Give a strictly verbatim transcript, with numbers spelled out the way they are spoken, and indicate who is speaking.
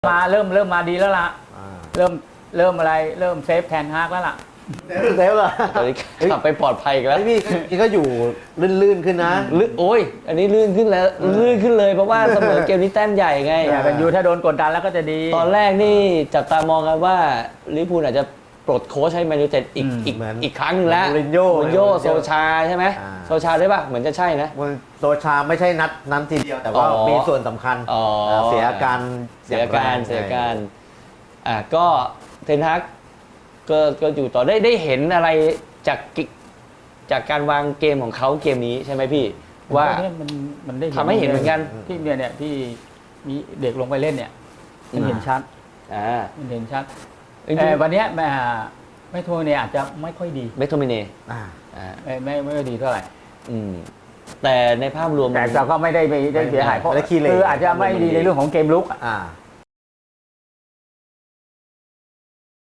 Speaker 1: มาเริ่มเริ่มมาดีแล้วล่ะ
Speaker 2: อ่า
Speaker 1: เริ่มเริ่มอะไรเริ่มเซฟแทนฮากแล้วล่ะ
Speaker 2: เซฟเหรอ
Speaker 3: ตอนนี้ขับไปปลอดภัยอีกแล้ว
Speaker 2: ไอ้พี่พี่ก็อยู่ลื่นๆขึ้นนะ
Speaker 3: ลื่นโอ้ย อันนี้ลื่นขึ้นแล้วลื่นขึ้นเลยเพราะว่าเสมอเกมนี้แต้มใหญ่ไง
Speaker 1: เนี่ยเป็นยูถ้าโดนกดดันแล้วก็จะดี
Speaker 3: ตอนแรกนี่จับตามองกันว่าลิเวอร์พูลอาจจะปลดโค้ชให้แมนยูไนเต็ดอีก
Speaker 1: อืม
Speaker 3: อีก
Speaker 2: เหมือน
Speaker 3: อีกครั้งหนึงแล้ว
Speaker 2: มูรินโญ่
Speaker 3: มูรินโญ่
Speaker 2: มูรินโญ่
Speaker 3: โซชาใช่ไหม
Speaker 2: อ่า
Speaker 3: โซชาได้ป่ะเหมือนจะใช่นะ
Speaker 2: มันโซชาไม่ใช่นัดนั้นทีเดียว แต่ว่า
Speaker 3: อ๋อ
Speaker 2: มีส่วนสำคัญ
Speaker 3: อ๋อ
Speaker 2: เสียอาการ
Speaker 3: เสียการ
Speaker 2: องแง
Speaker 3: เสียการอ่ะก็เทนฮักก็ก็อยู่ต่อได้ได้เห็นอะไรจากกิจากการวางเกมของเขาเกมนี้ใช่ไหมพี่ ว่า
Speaker 1: เนี่ยมันมันได้
Speaker 3: ทำให้เห็นเหมือนกัน
Speaker 1: ที่เนี่ยเนี่ยที่มีเด็กลงไปเล่นเนี่ยมัน
Speaker 3: อืม
Speaker 1: เห็นชัด
Speaker 3: อ่า
Speaker 1: มันเห็นชัด
Speaker 3: จริง
Speaker 1: แต่วันเนี้ยแม่ไม่โทรเนี่ยอาจจะไม่ค่อยดี
Speaker 3: ๆเบคโทมิเน่
Speaker 2: อ่า
Speaker 3: อ่า
Speaker 1: ไม่ไม่ไม่ค่อยดีเท่าไหร่
Speaker 3: อืมแต่ในภาพรวม
Speaker 1: แต่เราก็ไม่ได้ไปได้เสียหายเพราะ
Speaker 2: ไม่ได้ขี้เหร่
Speaker 1: คืออาจจะไม่ดีในเรื่องของเกมลุกอะ
Speaker 2: อ่า